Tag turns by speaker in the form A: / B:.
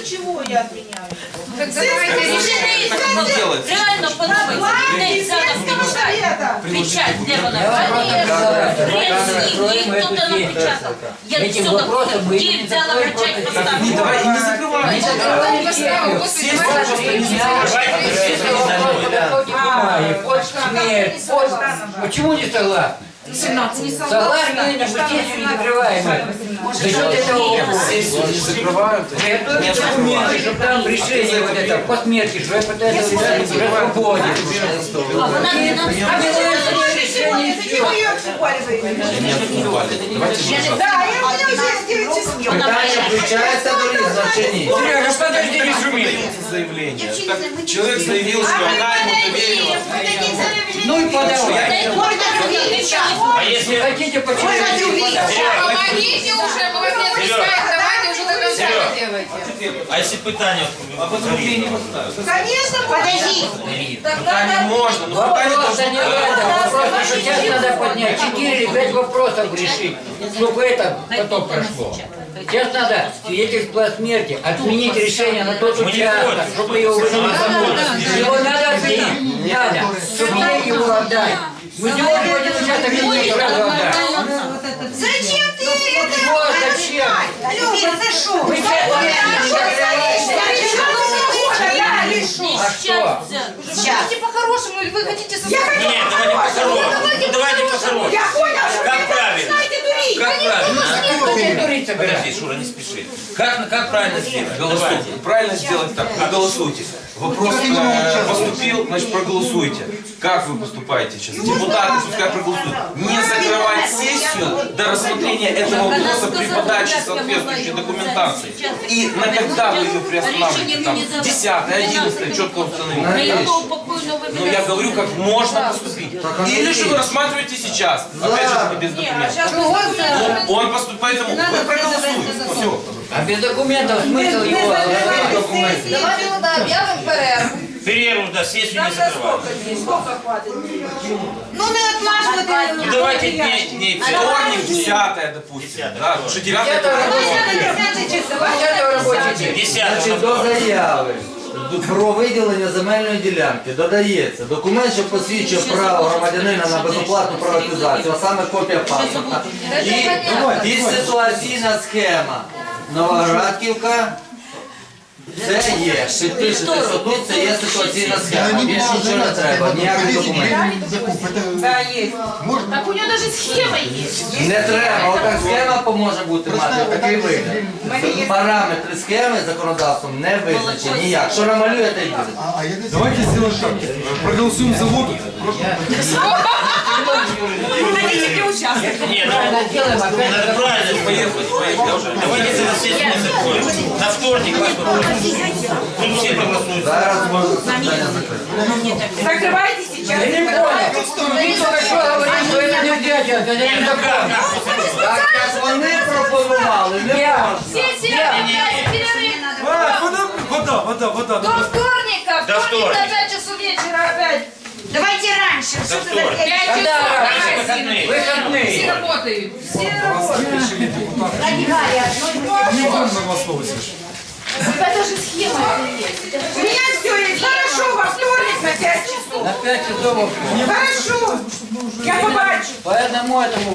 A: чего я отменяю?
B: Так давайте решение.
C: Реально подумайте, де взяла печать, де вона? Хто там напечатав? Я все так, де взяла печать поставила?
D: Давай, не закрывай.
E: Почему не согласны?
A: 17 не
E: Согласны или сессию не закрываем? За счет этого
D: Сессию не закрывают.
E: готовят документы, чтобы там решение вот это по смерти, что я пытаюсь уже свободен.
C: А вона не нам
E: Решение
A: Это не мое оспаривание. Да, я уже 9 часов.
F: Питання включається до різних.
E: Сережа, подожди, не шуми.
D: Заявление. Так, человек заявил, что она ему доверила.
E: Ну и подавай.
C: А
E: Если хотите, почему не подавай?
B: Помогите уже, молодец, пускай, давайте уже до конца делайте.
G: А если питание?
A: Конечно, подожди.
D: Пока не можно. Ну, пока не
E: Вопроса не надо, вопрос сейчас надо поднять. 4 или 5 вопросов решить, чтобы это потом прошло. Сейчас надо свидетельство о смерти, отменить решение на тот участок, чтобы его выносить. Его надо отменить, надо, чтобы ей его отдать. Мы не можем один участок не сразу отдать.
A: Зачем ты это?
E: Что зачем?
A: Люба, ты шо?
E: Вы А что?
B: Давайте по-хорошему, или вы хотите со
A: Я хочу
G: Нет, давайте по-хорошему. Ну, давайте по-хорошему.
A: Я понял, что
G: Как
A: вы
G: правильно?
A: знаете дурить.
G: Как правильно?
E: Кто тебе дурить собирается?
G: Подожди, Шура, не спеши. Как правильно сделать? Давайте.
D: Правильно сделать так. Проголосуйте. Вопрос поступил, значит проголосуйте. Как вы поступаете сейчас? Депутаты пускай проголосуют. Не закрывать сессию до рассмотрения этого вопроса при подаче соответствующей документации. И на когда вы ее приостанавливаете? Там 10, 11, четко установить. Но я говорю, как можно поступить. Или же вы рассматриваете сейчас. Опять же, таки без документов. Он поступает, поэтому вы проголосуете. Все.
E: А без документов смысл его?
B: Давайте тогда объявим перерву.
G: Перерву, да, сессию не закрывать.
A: Сколько хватит?
B: Ну не отлаживайте.
G: Ну давайте дней
D: Вторник, 10, допустим. Да, потому что 9
E: 10 робочий день.
G: 10.
F: Значить, до заяви про виділення земельної ділянки додається документ, що посвідчує право громадянина на безоплатну приватизацію, а саме копія паспорта. І ситуаційна схема. Новоградківка. Це є. Підпишете тут, це є ситуаційна схема. Більше нічого не треба, ніяких документів.
A: Да, есть.
C: Так у нього навіть схема є.
F: Не треба, отак схема поможе бути мати, такий вигляд. Параметри схеми законодавством не визначені ніяк. Що намалюєте і буде.
H: Давайте сделаем так. Проголосуем за воду.
G: Нет, надо правильно поехать. Давайте за сессию не закроем. На вторник вас попросим. Тут все проголосуют.
F: Зараз можна питання закрити.
A: Закрывайте сейчас.
E: Я не понял. Ты только что говоришь, что это не дядя, это не закон.
F: Так як вони пропонували, не можна.
H: Вода.
B: До вторника.
G: До
B: Вторник
G: вторника.
B: на 5 часов вечера опять.
A: Давайте раньше.
G: До
A: Что ты
G: вторника.
B: 5
E: Когда
B: часов.
E: раньше?
G: Выходные.
B: Все
E: Выходные.
B: работают.
A: Это же схема. У меня все есть. Хорошо, во вторник на 5 часов.
E: На 5 часов.
A: Хорошо. Я побачу.
E: По одному этому